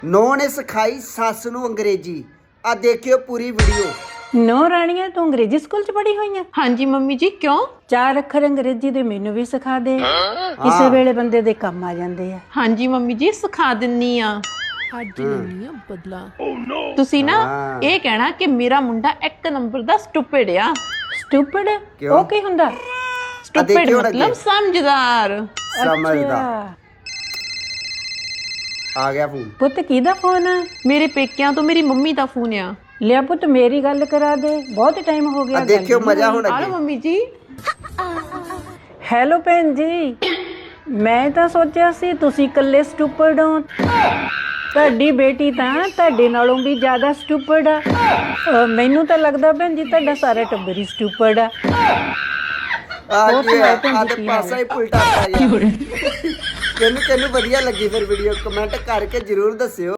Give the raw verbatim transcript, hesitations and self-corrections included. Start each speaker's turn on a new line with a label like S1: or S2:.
S1: ਨੌ ਨੇ ਸਿਖਾਈ ਸੱਸ ਨੂੰ ਅੰਗਰੇਜ਼ੀ। ਆ ਦੇਖਿਓ ਪੂਰੀ ਵੀਡੀਓ।
S2: ਨੌ ਰਾਣੀਆਂ ਤੂੰ ਅੰਗਰੇਜ਼ੀ ਸਕੂਲ ਚ ਪੜ੍ਹੀ ਹੋਈ ਆ?
S3: ਹਾਂਜੀ ਮੰਮੀ ਜੀ, ਕਿਉਂ?
S2: ਚਾਰ ਅੱਖਰ ਅੰਗਰੇਜ਼ੀ ਦੇ ਮੈਨੂੰ ਵੀ ਸਿਖਾ ਦੇ, ਕਿਸੇ ਵੇਲੇ ਬੰਦੇ ਦੇ ਕੰਮ ਆ ਜਾਂਦੇ ਆ।
S3: ਹਾਂਜੀ ਮੰਮੀ ਜੀ, ਸਿਖਾ ਦਿੰਨੀ ਆ। ਅੱਜ ਲੈਣੀ ਆ ਬਦਲਾ। ਤੁਸੀਂ ਨਾ ਇਹ ਕਹਿਣਾ ਕਿ ਮੇਰਾ ਮੁੰਡਾ ਇੱਕ ਨੰਬਰ ਦਾ ਸਟੂਪਿਡ ਆ।
S2: ਸਟੂਪਿਡ? ਉਹ ਕੀ ਹੁੰਦਾ?
S3: ਸਟੂਪਿਡ ਮਤਲਬ ਸਮਝਦਾਰ।
S1: ਸਮਝਦਾ। ਆ ਗਿਆ ਫੋਨ।
S2: ਪੁੱਤ ਕਿਹਦਾ ਫੋਨ ਆ?
S3: ਮੇਰੇ ਪੇਕਿਆਂ ਤੋਂ ਮੇਰੀ ਮੰਮੀ ਦਾ ਫੋਨ ਆ।
S2: ਲਿਆ ਪੁੱਤ ਮੇਰੀ ਗੱਲ ਕਰਾ ਦੇ, ਬਹੁਤ ਟਾਈਮ ਹੋ ਗਿਆ।
S1: ਆ ਦੇਖਿਓ ਮਜ਼ਾ ਹੁਣ
S3: ਆਲੋ
S1: ਅੱਗੇ।
S3: ਮੰਮੀ ਜੀ।
S2: ਹੈਲੋ ਭੈਣ ਜੀ, ਮੈਂ ਤਾਂ ਸੋਚਿਆ ਸੀ ਤੁਸੀਂ ਇਕੱਲੇ ਸਟੂਪਿਡ ਹੋ। ਤੁਹਾਡੀ ਬੇਟੀ ਤਾਂ ਤੁਹਾਡੇ ਨਾਲੋਂ ਵੀ ਜ਼ਿਆਦਾ ਸਟੂਪਿਡ ਆ। ਅਹ ਮੈਨੂੰ ਤਾਂ ਲੱਗਦਾ ਭੈਣ ਜੀ ਤੁਹਾਡਾ ਸਾਰਾ ਟੱਬਰ ਹੀ ਸਟੂਪਿਡ ਆ।
S1: ਆ
S2: ਹੋਰ
S1: ਕੀ
S2: ਸੁਣਾਓ
S1: ਆ
S2: ਭੈਣ
S1: ਆ
S2: ਜੀ,
S1: ਤੇ
S2: ਕੀ
S1: ਪਾਸਾ ਹੀ ਉਲਟਾ ਪਾ ਗਿਆ। ਕਿਹਨੂੰ ਕਿਹਨੂੰ ਵਧੀਆ ਲੱਗੀ ਫਿਰ ਵੀਡੀਓ ਕਮੈਂਟ ਕਰਕੇ ਜਰੂਰ ਦੱਸਿਓ।